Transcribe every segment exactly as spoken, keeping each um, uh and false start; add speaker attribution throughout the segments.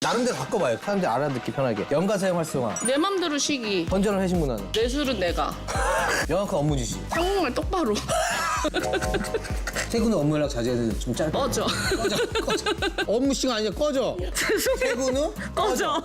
Speaker 1: 나름대로 바꿔봐요. 사람들이 알아듣기 편하게. 연가 사용 활성화.
Speaker 2: 내 맘대로 쉬기.
Speaker 1: 건전한 회식 문화는.
Speaker 2: 내 술은 내가.
Speaker 1: 명확한 업무 지시.
Speaker 2: 한국말 똑바로.
Speaker 1: 퇴근 후 업무 연락 자제해야 되는데 좀 짧게.
Speaker 2: 꺼져.
Speaker 1: 꺼져, 꺼져. 업무 시간 아니야, 꺼져. 퇴근 후?
Speaker 2: 꺼져.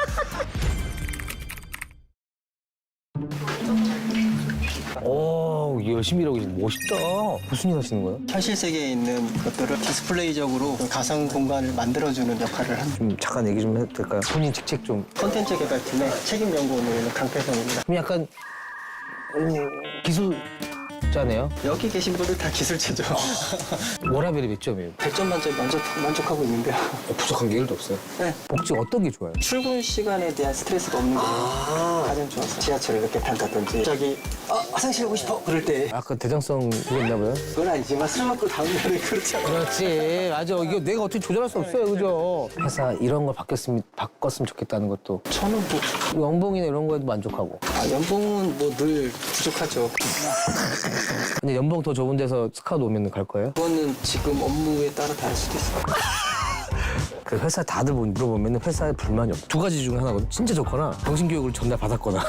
Speaker 1: 오, 열심히 일하고 계시네. 멋있다. 무슨 일 하시는 거예요?
Speaker 3: 현실 세계에 있는 것들을 디스플레이적으로 가상 공간을 만들어주는 역할을 합니다.
Speaker 1: 좀 잠깐 얘기 좀 해도 될까요? 본인 직책 좀.
Speaker 3: 콘텐츠 개발팀의 책임 연구원으로 있는 강태성입니다.
Speaker 1: 좀 약간 음, 기술자네요.
Speaker 3: 여기 계신 분들 다 기술체죠.
Speaker 1: 워라벨이 몇 점이에요?
Speaker 3: 백 점 만점 만족, 만족하고 있는데요.
Speaker 1: 어, 부족한 게 일도 없어요.
Speaker 3: 네.
Speaker 1: 복지 어떤 게 좋아요?
Speaker 3: 출근 시간에 대한 스트레스가 없는 게 가장 좋았어요. 지하철을 이렇게 탄다든지 갑자기 아, 화장실 가고 싶어! 그럴 때
Speaker 1: 약간 대장성 그게 있나 봐요?
Speaker 3: 그건 아니지만 술 먹고 다음날에 그렇지 않아요.
Speaker 1: 그렇지. 맞아. 이거 내가 어떻게 조절할 수 없어요. 그죠? 회사 이런 걸 바뀌었으면, 바꿨으면 좋겠다는 것도.
Speaker 3: 저는 뭐
Speaker 1: 연봉이나 이런 거에도 만족하고.
Speaker 3: 아, 연봉은 뭐 늘 부족하죠.
Speaker 1: 근데 연봉 더 좋은 데서 스카우트 오면 갈 거예요?
Speaker 3: 그거는 지금 업무에 따라 다를 수도 있어요.
Speaker 1: 그 회사 다들 물어보면 회사에 불만이 없어. 두 가지 중에 하나거든. 진짜 좋거나 정신교육을 전날 받았거나.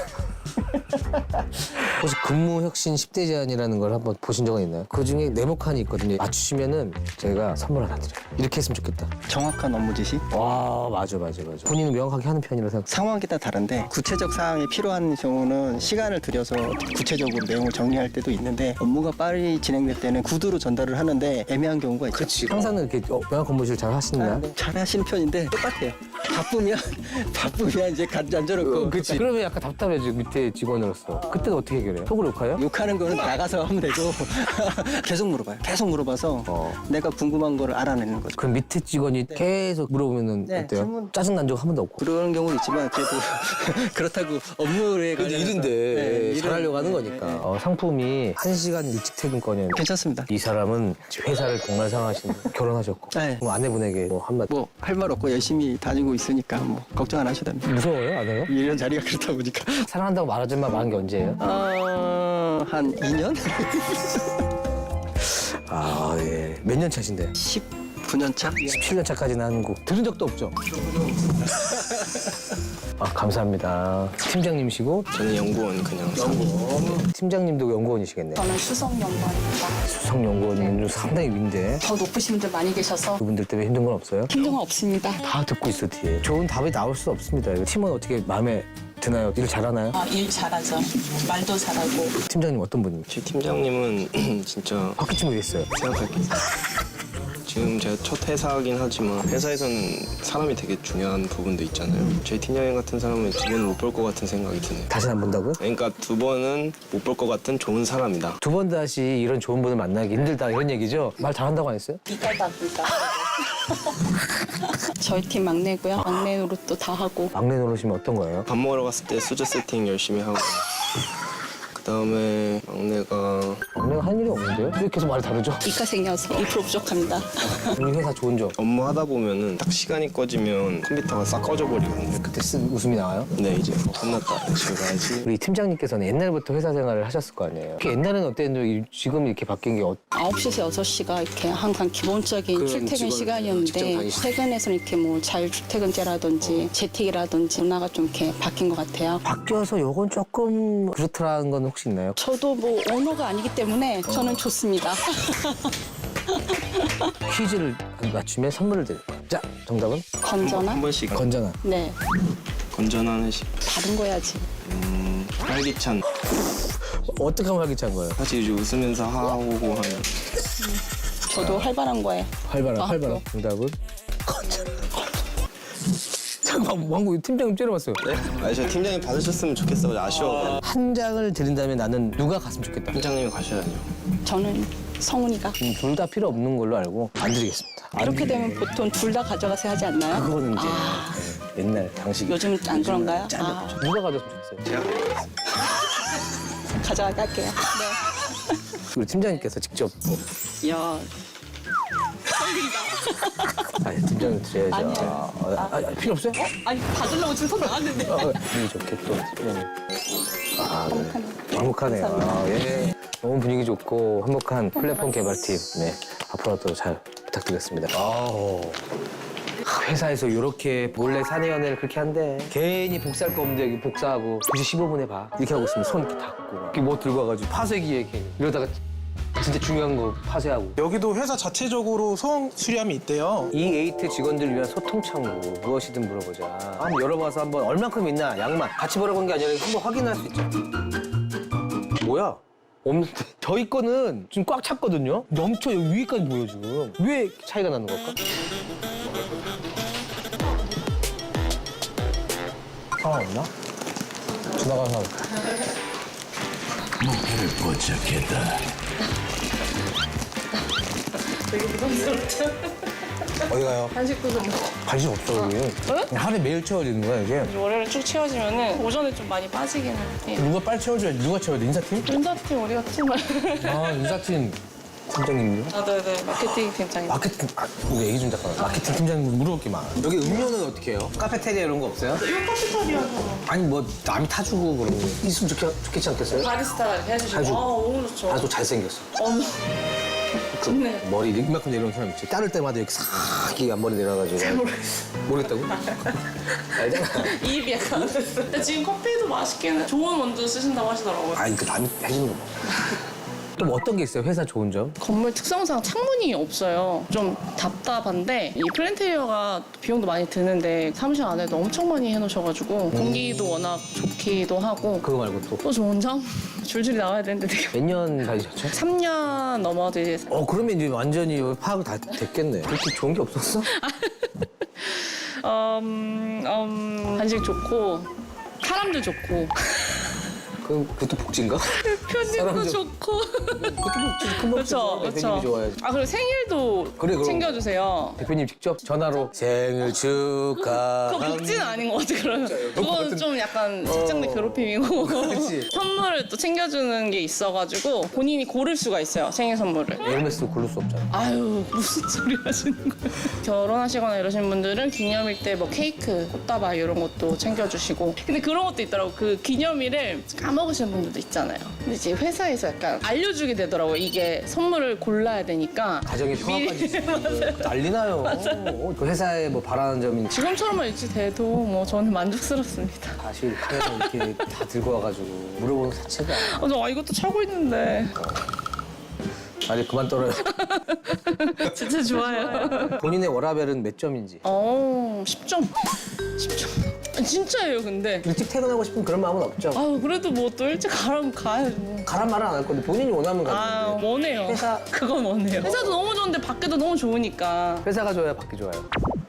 Speaker 1: 혹시 근무혁신 십 대 제안이라는 걸 한번 보신 적은 있나요? 그중에 네모칸이 있거든요. 맞추시면은 제가 선물 하나 드려요. 이렇게 했으면 좋겠다.
Speaker 3: 정확한 업무 지시?
Speaker 1: 와, 맞아, 맞아, 맞아. 본인은 명확하게 하는 편이라 생각.
Speaker 3: 상황에 따라 다른데 구체적 사항이 필요한 경우는 시간을 들여서 구체적으로 내용을 정리할 때도 있는데 업무가 빨리 진행될 때는 구두로 전달을 하는데 애매한 경우가 있죠.
Speaker 1: 그렇지. 항상 이렇게 어, 명확 업무실 잘 하시나요?
Speaker 3: 아, 네. 잘 하시는 편인데 똑같아요. 바쁘면 바쁘면 이제 간지 앉아놓고
Speaker 1: 그렇지. 그러면 약간 답답해지 밑에 직원으로서. 그때는 어떻게 해결해요? 속으로 욕해요?
Speaker 3: 욕하는 거는 나가서 하면 되고 계속 물어봐요. 계속 물어봐서
Speaker 1: 어.
Speaker 3: 내가 궁금한 거를 알아내는 거죠.
Speaker 1: 그럼 밑에 직원이 계속 물어보면은
Speaker 3: 네,
Speaker 1: 어때요?
Speaker 3: 질문-
Speaker 1: 짜증 난 적 한 번도 없고.
Speaker 3: 그런 경우는 있지만 그래도 그렇다고 업무에
Speaker 1: 그래도
Speaker 3: 관련해서
Speaker 1: 일인데
Speaker 3: 네, 일은-
Speaker 1: 잘하려고 하는
Speaker 3: 네,
Speaker 1: 거니까.
Speaker 3: 네, 네.
Speaker 1: 어, 상품이 한 시간 일찍 퇴근권이에요.
Speaker 3: 괜찮습니다.
Speaker 1: 이 사람은 회사를 공간 상하신 결혼하셨고
Speaker 3: 네.
Speaker 1: 그럼 아내분에게 뭐 한마디.
Speaker 3: 뭐 할 말 없고 열심히 다니고 있으니까 뭐 걱정 안 하셔도 됩니다.
Speaker 1: 무서워요, 아내가?
Speaker 3: 이런 자리가 그렇다 보니까
Speaker 1: 사랑한다고 말하지만 말한 게 언제예요?
Speaker 3: 어, 한 이 년?
Speaker 1: 아, 예. 몇 년 차신데?
Speaker 3: 십구 년 차?
Speaker 1: 십칠 년 차까지는 한국 들은 적도 없죠? 아, 감사합니다. 팀장님이시고
Speaker 4: 저는 연구원 그냥
Speaker 1: 팀장님도 연구원이시겠네요.
Speaker 5: 저는 수석연구원입니다.
Speaker 1: 수석연구원은 상당히 윈데
Speaker 5: 더 높으신 분들 많이 계셔서
Speaker 1: 그분들 때문에 힘든 건 없어요?
Speaker 5: 힘든 건 없습니다.
Speaker 1: 다 듣고 있어 뒤에. 좋은 답이 나올 수 없습니다. 이거 팀은 어떻게 마음에 드나요? 일 잘하나요?
Speaker 5: 아, 일 잘하죠. 말도 잘하고.
Speaker 1: 팀장님 어떤 분입니까?
Speaker 4: 제 팀장님은 진짜
Speaker 1: 바퀴춤 왜 있어요?
Speaker 4: 생각할게 지금 제가 첫 회사긴 하지만 회사에서는 사람이 되게 중요한 부분도 있잖아요. 제 팀장님 같은 사람은 두 번은 못 볼 것 같은 생각이 드네요.
Speaker 1: 다시 안 본다고요?
Speaker 4: 그러니까 두 번은 못 볼 것 같은 좋은 사람이다.
Speaker 1: 두 번 다시 이런 좋은 분을 만나기 힘들다 이런 얘기죠? 말 잘한다고 안 했어요?
Speaker 5: 이깔답니다. 저희 팀 막내고요. 막내 노릇도 다 하고.
Speaker 1: 막내 노릇이면 어떤 거예요?
Speaker 4: 밥 먹으러 갔을 때 수저 세팅 열심히 하고 그 다음에 막내가
Speaker 1: 막내가 한 일이 없는데요? 왜 계속 말이 다르죠?
Speaker 5: 이가 생겨서 일 퍼센트 부족합니다.
Speaker 1: 우리 회사 좋은 점.
Speaker 4: 업무 하다 보면은 딱 시간이 꺼지면 컴퓨터가 싹 꺼져버리거든요.
Speaker 1: 그때 쓴 웃음이 나와요?
Speaker 4: 네 이제 어, 끝났다 집에 가야지.
Speaker 1: 우리 팀장님께서는 옛날부터 회사 생활을 하셨을 거 아니에요? 옛날에는 어땠는데 지금 이렇게 바뀐 게 어...
Speaker 5: 아홉 시에서 여섯 시가 이렇게 항상 기본적인
Speaker 1: 그런
Speaker 5: 출퇴근
Speaker 1: 직원, 직장
Speaker 5: 시간이었는데
Speaker 1: 다니시죠?
Speaker 5: 퇴근해서는 이렇게 뭐 자율출퇴근제라든지 재택이라든지 문화가 좀 이렇게 바뀐 것 같아요.
Speaker 1: 바뀌어서 요건 조금 그렇더라는 건 혹시 있나요?
Speaker 5: 저도 뭐 언어가 아니기 때문에 저는 좋습니다.
Speaker 1: 퀴즈를 맞추면 선물을 드릴 거예요. 자, 정답은?
Speaker 5: 건전한?
Speaker 4: 한 번씩
Speaker 1: 건전한.
Speaker 5: 네.
Speaker 4: 건전한 회식.
Speaker 5: 다른 거 해야지.
Speaker 4: 음, 활기찬.
Speaker 1: 어떻게 하면 활기찬 거예요?
Speaker 4: 사실 이제 웃으면서 하고 하면
Speaker 5: 저도 활발한 거에.
Speaker 1: 활발한,
Speaker 5: 아,
Speaker 1: 활발한. 정답은? 건전한. 잠깐만, 왕구 팀장님 째려봤어요.
Speaker 4: 네? 아니 저 팀장님 받으셨으면 좋겠어요. 아쉬워.
Speaker 1: 한 장을 드린다면 나는 누가 갔으면 좋겠다.
Speaker 4: 팀장님이 가셔야죠.
Speaker 5: 저는 성훈이가.
Speaker 1: 둘 다 필요 없는 걸로 알고 안 드리겠습니다. 안
Speaker 5: 이렇게
Speaker 1: 드리-
Speaker 5: 되면 보통 둘 다 가져가세요 하지 않나요?
Speaker 1: 그거는 이제
Speaker 5: 아,
Speaker 1: 네, 옛날 당시.
Speaker 5: 요즘은 안 그런가요?
Speaker 1: 짠
Speaker 5: 아,
Speaker 1: 누가 가졌으면 좋겠어요?
Speaker 4: 제가
Speaker 5: 가져가게 할게요. 네.
Speaker 1: 우리 팀장님께서 직접.
Speaker 5: 야,
Speaker 1: 아니, 팀장님 드려야죠.
Speaker 5: 아니에요.
Speaker 1: 아, 아, 아, 필요 없어요?
Speaker 5: 아니 받으려고 지금 손 나왔는데.
Speaker 1: 어, 분위기 좋게 또. 팀장님. 아, 네. 행복하네요. 아, 예. 너무 분위기 좋고 행복한 플랫폼 개발팀. 네. 앞으로도 잘 부탁드리겠습니다. 아우. 회사에서 이렇게 몰래 사내 연애를 그렇게 한대. 괜히 복사할 거 없는데 여기 복사하고 두 시 십오 분에 봐. 이렇게 하고 있으면 손 이렇게 닫고 이렇게 뭐 들고 와가지고 파쇄기에 괜히 이러다가 진짜 중요한 거 파쇄하고.
Speaker 6: 여기도 회사 자체적으로 소음 수리함이 있대요.
Speaker 1: 이 에이트 직원들을 위한 소통 창구 무엇이든 물어보자. 한번 열어봐서 한번 얼만큼 있나 양만 같이 보라고 한 게 아니라 한번 확인할 수 있죠. 뭐야? 없는데 저희 거는 지금 꽉 찼거든요. 넘쳐 여기 위까지 보여 지금. 왜 차이가 나는 걸까? 상황 없나? 지나가는 사람.
Speaker 7: 목표를 포착했다.
Speaker 2: 되게 부담스럽죠?
Speaker 1: 어디 가요?
Speaker 2: 간식도 좀 먹어.
Speaker 1: 관심 없어 여기. 그냥 하루에 매일 채워지는 거야 이게.
Speaker 2: 월요일 쭉 채워지면은 오전에 좀 많이 빠지기는 해요.
Speaker 1: 누가 빨리 채워줘야지. 누가 채워야 돼? 인사팀?
Speaker 2: 인사팀 우리가 팀을.
Speaker 1: 아 인사팀 팀장님요?
Speaker 2: 아, 네네. 마케팅 팀장님.
Speaker 1: 마케팅, 아, 우리 얘기 좀 잠깐. 마케팅 팀장님 물어볼 게 많아. 여기 음료는 어떻게 해요? 카페테리아 이런 거 없어요?
Speaker 2: 이거 카페테리아죠.
Speaker 1: 아니 뭐 남이 타주고 그러면 있으면 좋겠, 좋겠지 않겠어요?
Speaker 2: 바리스타가 이렇게 해주시고.
Speaker 1: 해주고.
Speaker 2: 아, 너무 좋죠.
Speaker 1: 아, 또 잘생겼어.
Speaker 2: 어머. 좋네.
Speaker 1: 머리 이만큼 내려온 사람 있지. 자를 때마다 이렇게 싹 이게 앞머리 내려가지고. 잘
Speaker 2: 모르겠어.
Speaker 1: 모르겠다고? 알잖아.
Speaker 2: 입이 약간. 근데 지금 커피도 맛있게는 좋은 원두 쓰신다고 하시더라고요.
Speaker 1: 아니 그 남이 해주는 거. 또 뭐 어떤 게 있어요? 회사 좋은 점?
Speaker 2: 건물 특성상 창문이 없어요. 좀 답답한데 이 플랜테리어가 비용도 많이 드는데 사무실 안에도 엄청 많이 해놓으셔가지고 공기도 워낙 좋기도 하고
Speaker 1: 그거 말고 또.
Speaker 2: 또 좋은 점? 줄줄이 나와야 되는데 되게
Speaker 1: 몇 년 다니셨죠?
Speaker 2: 삼 년 넘어도 이제
Speaker 1: 어 그러면 이제 완전히 파악 다 됐겠네. 그렇게 좋은 게 없었어?
Speaker 2: 음, 음, 간식 좋고 사람들 좋고
Speaker 1: 그 그것도 복지인가?
Speaker 2: 편집도
Speaker 1: 사람들-
Speaker 2: 좋고
Speaker 1: 그것도 복지. 큰
Speaker 2: 그렇죠,
Speaker 1: 복지죠.
Speaker 2: 그렇죠.
Speaker 1: 대표님이 좋아야지.
Speaker 2: 아 그리고 생일도
Speaker 1: 그래, 그럼.
Speaker 2: 챙겨주세요.
Speaker 1: 대표님 직접 전화로 생일
Speaker 2: 그거
Speaker 1: 축하합니다.
Speaker 2: 복지는 아닌 것 같아 그러면. 그건 좀 약간 직장 내 괴롭힘이고
Speaker 1: 그렇지.
Speaker 2: 선물을 또 챙겨주는 게 있어가지고 본인이 고를 수가 있어요 생일 선물을.
Speaker 1: 에르메스 고를 수 없잖아.
Speaker 2: 아유 무슨 소리 하시는 거예요? 결혼하시거나 이러신 분들은 기념일 때 뭐 케이크, 꽃다발 이런 것도 챙겨주시고. 근데 그런 것도 있더라고. 그 기념일을 까먹으시는 분들도 있잖아요. 근데 이제 회사에서 약간 알려주게 되더라고요. 이게 선물을 골라야 되니까.
Speaker 1: 가정의 평화까지
Speaker 2: 미리-
Speaker 1: 있으면 난리 나요. 어, 그 회사에 뭐 바라는 점이
Speaker 2: 지금처럼만 유지돼도 뭐 저는 만족스럽습니다.
Speaker 1: 사실 카메라 이렇게 다 들고 와가지고 물어보는 것 자체가
Speaker 2: 아, 저 아, 이것도 차고 있는데.
Speaker 1: 아니 그만 떨어요.
Speaker 2: 진짜 좋아요.
Speaker 1: 본인의 워라벨은 몇 점인지.
Speaker 2: 어, 십 점. 십 점. 진짜예요, 근데.
Speaker 1: 일찍 퇴근하고 싶은 그런 마음은 없죠.
Speaker 2: 아유, 그래도 뭐 또 일찍 가라면 가야죠. 뭐.
Speaker 1: 가란 말은 안 할 건데 본인이 원하면
Speaker 2: 아,
Speaker 1: 가는데
Speaker 2: 원해요.
Speaker 1: 회사-
Speaker 2: 그건 원해요. 회사도 너무 좋은데 밖에도 너무 좋으니까.
Speaker 1: 회사가 좋아요, 받기 좋아요.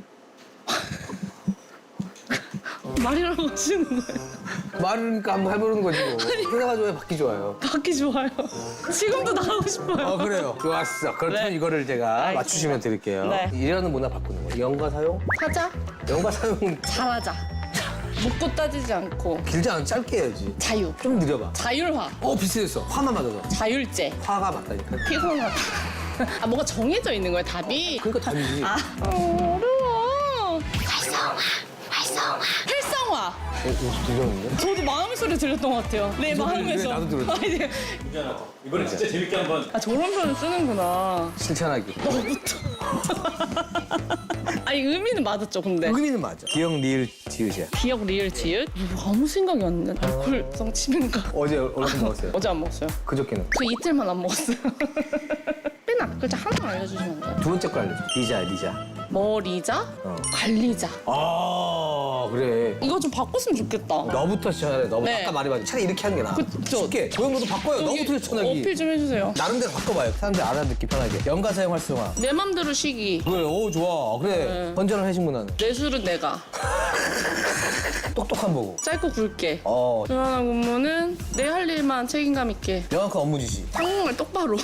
Speaker 2: 말이라고 하시는 거예요.
Speaker 1: 말으니까 한번 해보는 거지 뭐. 회사가 좋아요, 받기 좋아요.
Speaker 2: 밖이 좋아요. 지금도 나가고 싶어요.
Speaker 1: 어 그래요. 좋았어. 그렇다면
Speaker 2: 네.
Speaker 1: 이거를 제가
Speaker 2: 알겠습니다.
Speaker 1: 맞추시면 드릴게요.
Speaker 2: 네.
Speaker 1: 이라는 문화 바꾸는 거예요. 영과 사용?
Speaker 2: 사자,
Speaker 1: 영과 사용은
Speaker 2: 잘하자. 묻고 따지지 않고.
Speaker 1: 길지 않아 짧게 해야지.
Speaker 2: 자유.
Speaker 1: 좀 느려봐.
Speaker 2: 자율화.
Speaker 1: 어 비슷했어. 화만 맞아서.
Speaker 2: 자율제.
Speaker 1: 화가 맞다니까.
Speaker 2: 피곤하다. 아, 뭐가 정해져 있는 거예요, 답이?
Speaker 1: 그러니까 답이지.
Speaker 2: 아, 어려워. 활성화, 활성화. 활성화.
Speaker 1: 어, 이거 들렸는데?
Speaker 2: 저도 마음의 소리 들렸던 것 같아요. 내
Speaker 1: 무슨
Speaker 2: 마음에서.
Speaker 1: 소리인데? 나도 들었어.
Speaker 2: 아, 이제.
Speaker 8: 이번에 진짜 재밌게 한번
Speaker 2: 아, 저런 표현 쓰는구나.
Speaker 1: 실천하기.
Speaker 2: 너부터. 아니, 의미는 맞았죠, 근데.
Speaker 1: 의미는 맞아. 기억 리을 지읒이야.
Speaker 2: 기억 리을 지읒? 이거 아무 생각이 안 나네. 알코올성 치매인가?
Speaker 1: 어제 얼마큼 먹었어요?
Speaker 2: 어제 안 먹었어요.
Speaker 1: 그저께는.
Speaker 2: 저 이틀만 안 먹었어요. 맨 앞 글자 하나 알려주시면 안 돼요?
Speaker 1: 두 번째 거 알려줘. 리자, 리자.
Speaker 2: 머리자,
Speaker 1: 어.
Speaker 2: 관리자.
Speaker 1: 아 그래.
Speaker 2: 이거 좀 바꿨으면 좋겠다.
Speaker 1: 너부터 시작해. 너부터.
Speaker 2: 네.
Speaker 1: 아까 말해봤지. 차라리 이렇게 하는 게 나아.
Speaker 2: 그쵸.
Speaker 1: 쉽게. 고용도도 바꿔요.
Speaker 2: 여기
Speaker 1: 너부터 시작하기.
Speaker 2: 어필 좀 해주세요.
Speaker 1: 나름대로 바꿔봐요. 사람들이 알아듣기 편하게. 연가 사용 활성화.
Speaker 2: 내 맘대로 쉬기.
Speaker 1: 그래, 오 좋아. 그래.
Speaker 2: 네.
Speaker 1: 건전한 회식 문화는.
Speaker 2: 내 술은 내가.
Speaker 1: 똑똑한 보고.
Speaker 2: 짧고 굵게.
Speaker 1: 어.
Speaker 2: 조연한 근무는 내 할 일만 책임감 있게.
Speaker 1: 명확한 업무 지시.
Speaker 2: 한국말 똑바로.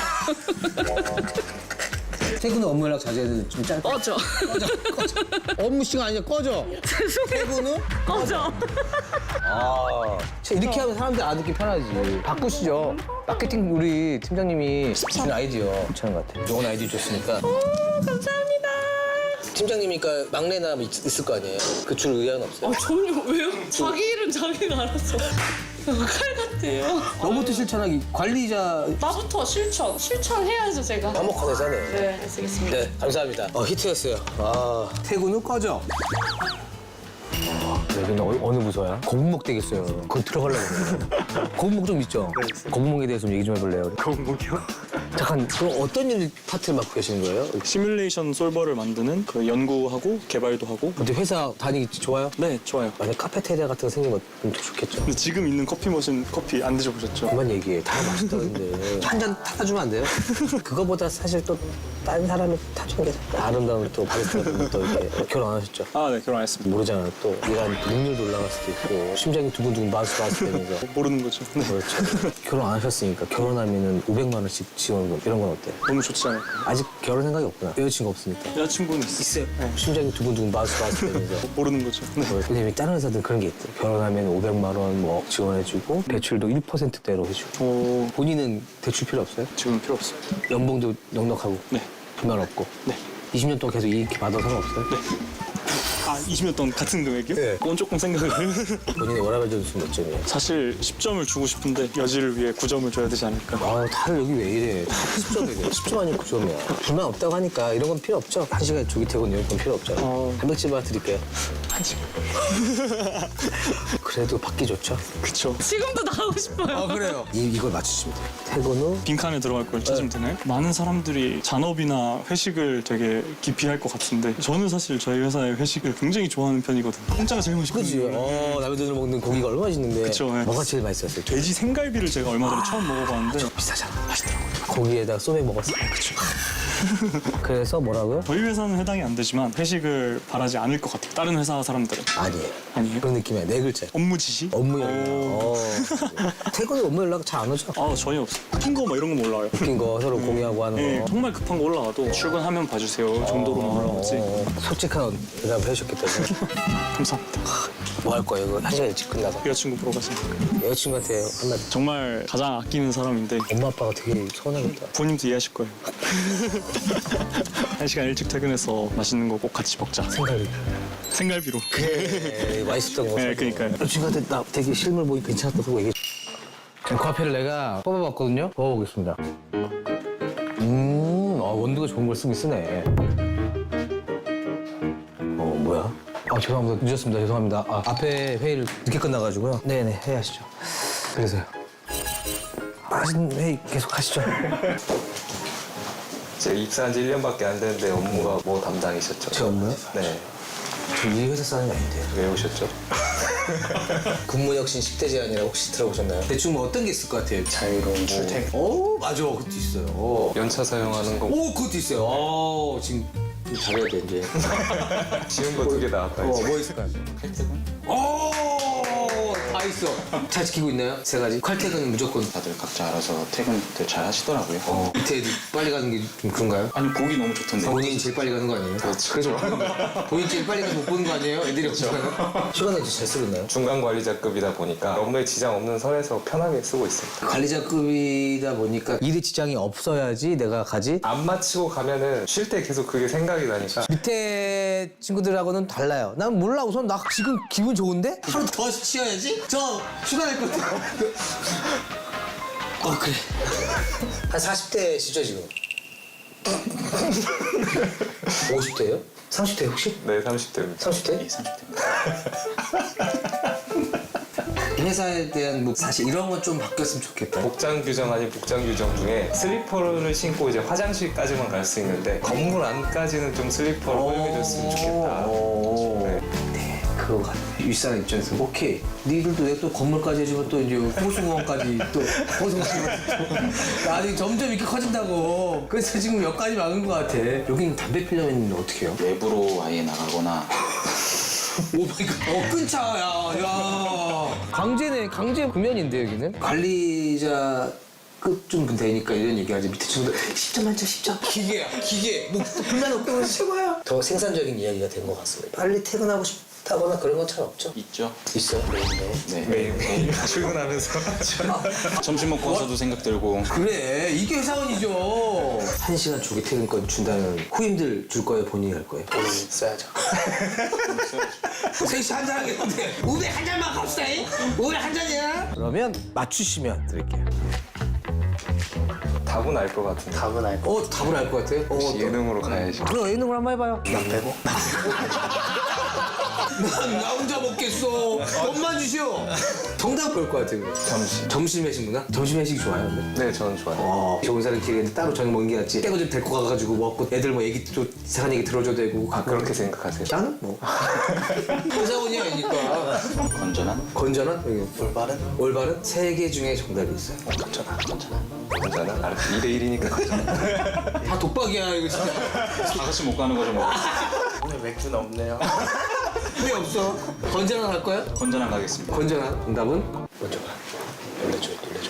Speaker 1: 퇴근 후 업무 연락 자제해야 돼. 좀 짧게.
Speaker 2: 꺼져.
Speaker 1: 꺼져. 꺼져. 업무 시간 아니야. 꺼져. 퇴근 후?
Speaker 2: 꺼져.
Speaker 1: 아. 이렇게 하면 사람들이 알아듣기 편하지. 바꾸시죠. 마케팅 우리 팀장님이 주신 아이디어 괜찮은 것 같아요. 좋은 아이디어 줬으니까.
Speaker 2: 오, 감사합니다.
Speaker 1: 팀장님이니까 막내나 있, 있을 거 아니에요? 그 줄 의향은 없어요?
Speaker 2: 아, 전혀 왜요? 자기 일은 자기가 알았어. 칼 같아. 같아요.
Speaker 1: 너부터 실천하기. 관리자
Speaker 2: 나부터 실천. 실천해야죠, 제가.
Speaker 1: 화목한 회사네.
Speaker 2: 네, 잘 쓰겠습니다.
Speaker 1: 네, 감사합니다. 어, 히트였어요. 아, 퇴근 후 꺼져. 아, 여기는 어, 어느 부서야? 고분목 되겠어요. 그거 들어가려고 그래요. 고분목 좀 있죠? 고분목에 대해서 좀 얘기 좀 해볼래요?
Speaker 9: 고분목이요?
Speaker 1: 잠깐, 그럼 어떤 일 파트를 맡고 계시는 거예요?
Speaker 9: 시뮬레이션 솔버를 만드는 그 연구하고 개발도 하고.
Speaker 1: 근데 회사 다니기 좋아요?
Speaker 9: 네, 좋아요.
Speaker 1: 만약 카페테리아 같은 거 생기면 좀 더 좋겠죠?
Speaker 9: 근데 지금 있는 커피 머신 커피 안 드셔보셨죠?
Speaker 1: 그만 얘기해. 다 맛있다는데. 한 잔 타다 주면 안 돼요? 그거보다 사실 또 다른 사람이 타주는 게 아름다운 또 바리스타분들 또 이렇게 결혼 안 하셨죠?
Speaker 9: 아, 네, 결혼했습니다.
Speaker 1: 모르잖아요. 또 일한 능률도 올라갈 수도 있고 심장이 두근두근 마우스 마우스 되면서
Speaker 9: 모르는 거죠. 네.
Speaker 1: 그렇죠. 결혼 안 하셨으니까 결혼하면은 오백만 원씩 지원금 이런 건 어때?
Speaker 9: 너무 좋지 않을까요?
Speaker 1: 아직 결혼 생각이 없구나. 여자친구 없으니까.
Speaker 9: 여자친구는 있어요. 네.
Speaker 1: 심장이 두근두근 마우스 마우스 되면서.
Speaker 9: 모르는 거죠. 네.
Speaker 1: 왜냐면 다른 회사들은 그런 게 있대. 결혼하면 오백만 원 뭐 지원해주고 대출도 일 퍼센트대로 해주고.
Speaker 9: 오,
Speaker 1: 본인은 대출 필요 없어요?
Speaker 9: 지금은 필요 없어요.
Speaker 1: 연봉도 넉넉하고.
Speaker 9: 네.
Speaker 1: 불만 없고.
Speaker 9: 네.
Speaker 1: 이십 년 동안 계속 이렇게 받아도 상관없어요?
Speaker 9: 네. 아, 이십 년 동안 같은 금액이요?
Speaker 1: 네.
Speaker 9: 그건 조금 생각을.
Speaker 1: 본인의 워라밸 점수 몇 점이에요?
Speaker 9: 사실 십 점을 주고 싶은데 여지를 위해 구 점을 줘야 되지 않을까.
Speaker 1: 아, 다들 여기 왜 이래? 다 십 점이래. 십 점 아니고 구 점이야. 불만 없다고 하니까 이런 건 필요 없죠? 한 시간에 조기 퇴근 이런 건 필요 없잖아.
Speaker 9: 어.
Speaker 1: 단백질 하나 드릴게요.
Speaker 9: 한 시간.
Speaker 1: 그래도 받기 좋죠?
Speaker 9: 그쵸.
Speaker 2: 지금도 나오고 싶어요.
Speaker 1: 아, 그래요? 이, 이걸 맞추시면 돼요. 퇴근 후
Speaker 9: 빈칸에 들어갈 걸 찾으면 되나요? 많은 사람들이 잔업이나 회식을 되게 기피할 것 같은데 저는 사실 저희 회사의 회식을 굉장히 좋아하는 편이거든요. 공짜가 제일
Speaker 1: 그지?
Speaker 9: 맛있거든요.
Speaker 1: 어, 남의 돈으로 먹는 고기가 얼마나 맛있는데.
Speaker 9: 그쵸, 네.
Speaker 1: 뭐가 제일 맛있었어요?
Speaker 9: 돼지 생갈비를 제가 얼마 전에 처음 먹어봤는데
Speaker 1: 비싸잖아. 맛있더라고요. 고기에다가 소맥 먹었어요. 그쵸. 그래서 뭐라고요?
Speaker 9: 저희 회사는 해당이 안 되지만 회식을 바라지 않을 것 같아요. 다른 회사 사람들은.
Speaker 1: 아니에요.
Speaker 9: 아니에요?
Speaker 1: 그런 느낌이야. 네 글자.
Speaker 9: 업무 지시?
Speaker 1: 업무 연락.
Speaker 9: 오.
Speaker 1: 어. 퇴근 후 업무 연락 잘 안 오죠?
Speaker 9: 아, 전혀 없어요. 웃긴 거 막 이런 거 몰라요.
Speaker 1: 웃긴 거 서로 공유하고 하는
Speaker 9: 네,
Speaker 1: 거.
Speaker 9: 정말 급한 거 올라와도 출근하면 봐주세요 정도로만 올라오지.
Speaker 1: 어, 솔직한 대답을 해주셨기 때문에.
Speaker 9: 감사합니다.
Speaker 1: 뭐 할 거예요? 이거 한 시간 일찍 끝나서.
Speaker 9: 여자친구 보러 가세요.
Speaker 1: 여자친구한테 한마디.
Speaker 9: 정말 가장 아끼는 사람인데
Speaker 1: 엄마 아빠가 되게 서운하겠다.
Speaker 9: 부모님도 이해하실 거예요. 한 시간 일찍 퇴근해서 맛있는 거 꼭 같이 먹자.
Speaker 1: 생각이.
Speaker 9: 생갈비로.
Speaker 1: 에 맛있었던 거.
Speaker 9: 네,
Speaker 1: 사줘.
Speaker 9: 그러니까요.
Speaker 1: 여자친구한테 나 되게 실물 보기 괜찮았다고 얘기해. 지금 커피를 내가 뽑아봤거든요. 뽑아보겠습니다. 음, 아, 원두가 좋은 걸 쓰긴 쓰네. 어, 뭐야? 아, 죄송합니다. 늦었습니다. 죄송합니다. 아, 앞에 회의를 늦게 끝나가지고요. 네네, 회의하시죠. 그래서요. 맛있는 회의 계속 하시죠.
Speaker 4: 제가 입사한 지 일 년밖에 안 됐는데 업무가 뭐 담당이셨죠?
Speaker 1: 제 업무요?
Speaker 4: 네.
Speaker 1: 저 이 회사 사람이 아닌데요.
Speaker 4: 왜 오셨죠?
Speaker 1: 근무혁신 십 대 제한이라고 혹시 들어보셨나요? 대충 뭐 어떤 게 있을 것 같아요?
Speaker 4: 자유로운 출퇴근.
Speaker 1: 오, 맞아. 그것도 있어요.
Speaker 4: 연차 사용하는 거
Speaker 1: 오, 그것도 있어요. 어, 지금 좀 잘해야 돼, 이제.
Speaker 4: 쉬운 거 두 개 나왔다
Speaker 1: 어,
Speaker 4: 이제.
Speaker 1: 뭐 있을까요? 칼퇴근? 오, 다 있어. 잘 지키고 있나요? 세 가지? 칼퇴근은 무조건.
Speaker 10: 다들 각자 알아서 퇴근들 잘 하시더라고요.
Speaker 1: 어, 밑에 애들 빨리 가는 게 좀 그런가요?
Speaker 10: 아니 보기 너무 좋던데.
Speaker 1: 본인이 제일 빨리 가는 거 아니에요? 그렇죠. 그래서 본인 제일 빨리 가서 못 보는 거 아니에요? 애들이 없잖아요. 시간을 잘 쓰고 있나요?
Speaker 4: 중간 관리자급이다 보니까 업무에 지장 없는 선에서 편하게 쓰고 있습니다.
Speaker 1: 관리자급이다 보니까 일에 지장이 없어야지 내가 가지.
Speaker 4: 안 마치고 가면은 쉴 때 계속 그게 생각이 나니까
Speaker 1: 밑에 친구들하고는 달라요. 난 몰라. 우선 나 지금 기분 좋은데? 하루 더 쉬어야지? 저 휴가 낼 것 같아요. 어, 그래. 한 사십 대시죠, 지금? 오십 대요? 삼십 대 혹시?
Speaker 4: 네, 삼십 대입니다.
Speaker 1: 삼십 대?
Speaker 10: 네, 삼십 대입니다.
Speaker 1: 회사에 대한 뭐 사실 이런 건 좀 바뀌었으면 좋겠다.
Speaker 4: 복장 규정 아닌 복장 규정 중에 슬리퍼를 신고 이제 화장실까지만 갈 수 있는데 건물 안까지는 좀 슬리퍼를 허용해줬으면 좋겠다. 네.
Speaker 1: 그거 같아. 윗사람 입장에서 오케이. 니들도 왜 또 건물까지 해주면 또 이제 호수공원까지 또 호수공원 아니 점점 이렇게 커진다고. 그래서 지금 여기까지 막은 것 같아. 여기는 담배 피려면 있는데 어떻게 해요?
Speaker 10: 외부로 아예 나가거나
Speaker 1: 오 마이 갓. 어, 끊자, 야, 야. 강제네, 강제 구면인데, 여기는? 관리자 급좀 되니까 이런 얘기하지. 밑에 친구들 십 점 만점 십 점. 기계야, 기계. 뭐, 불만 없다고 해서 최고야. 더 생산적인 이야기가 된 것 같습니다. 빨리 퇴근하고 싶 타거나 그런 건 잘 없죠?
Speaker 10: 있죠.
Speaker 1: 있어요?
Speaker 10: 네.
Speaker 4: 매일 매일 출근하면서
Speaker 10: 점심 먹고 와서도 생각 들고.
Speaker 1: 그래, 이게 회사원이죠. 한 시간 조기 퇴근권 준다면 후임들 줄 거예요, 본인이 할 거예요?
Speaker 4: 돈을 써야죠.
Speaker 1: 셋이 한잔 하겠는데 우리 한 잔만 갑시다. 우리 한 잔이야. 그러면 맞추시면 드릴게요.
Speaker 4: 답은 알 것 같은데.
Speaker 3: 답은 알 거.
Speaker 1: 어, 답을 알 것 같아요? 어,
Speaker 4: 혹시
Speaker 1: 어떤-
Speaker 4: 예능으로 가야지.
Speaker 1: 그럼 예능을 한번 해봐요.
Speaker 3: 나 빼고.
Speaker 1: 난 나 혼자 먹겠어. 돈만 주시오. 정답 볼 것 같아요.
Speaker 4: 점심.
Speaker 1: 점심 회식 문화? 점심 회식이 좋아요, 근데?
Speaker 4: 네, 저는 좋아요.
Speaker 1: 어, 좋은 사람 길에 따로 저녁 먹는 게 낫지. 깨고 좀 데리고 가가지고 먹고 애들 뭐 얘기 또 이상한 얘기 들어줘도 되고.
Speaker 4: 아, 그렇게 생각하세요?
Speaker 1: 나는 뭐. 회사원이 아니니까.
Speaker 10: 건전한?
Speaker 1: 건전한? 올바른? 올바른? 세 개 중에 정답이 있어요.
Speaker 4: 괜찮아. 괜찮아. 알았어. 이 대 일이니까.
Speaker 1: 다 독박이야, 이거 진짜.
Speaker 10: 다 같이 못 가는 거죠 뭐.
Speaker 4: 오늘 맥주는 없네요.
Speaker 1: 왜 없어? 건전한 할 거야?
Speaker 10: 건전한 가겠습니다.
Speaker 1: 건전한. 정답은? 먼저 가.
Speaker 4: 놀래줘, 놀래줘.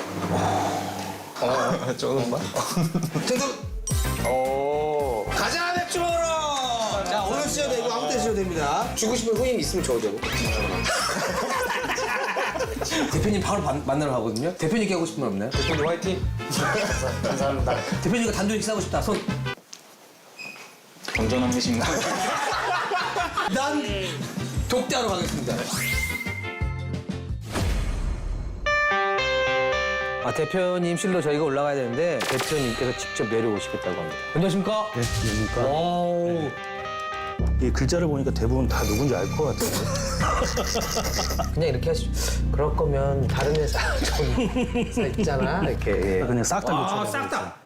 Speaker 4: 어, 조금만.
Speaker 1: 정답!
Speaker 4: 오.
Speaker 1: 가자, 맥주 먹으러! 자, 오늘 쓰셔도 되고 아무 때 쓰셔도 됩니다. 주고 싶은 후임 있으면 줘도 되고. 대표님 바로 반- 만나러 가거든요. 대표님께 하고 싶은 말 없나요?
Speaker 4: 대표님 화이팅.
Speaker 3: 감사합니다.
Speaker 1: 대표님과 단둘이 식사하고 싶다. 손.
Speaker 10: 건전한 회식 나.
Speaker 1: 난 독대하러 가겠습니다. 아, 대표님 실로 저희가 올라가야 되는데 대표님께서 직접 내려오시겠다고 합니다. 안녕하십니까?
Speaker 11: 네, 안녕하십니까.
Speaker 1: 와우.
Speaker 11: 이 글자를 보니까 대부분 다 누군지 알 것 같아요.
Speaker 1: 그냥 이렇게 하시죠. 그럴 거면 다른 회사 좀 회사 있잖아. 이렇게. 예.
Speaker 11: 그냥 싹 다
Speaker 1: 아,
Speaker 11: 요청해.
Speaker 1: 싹 다.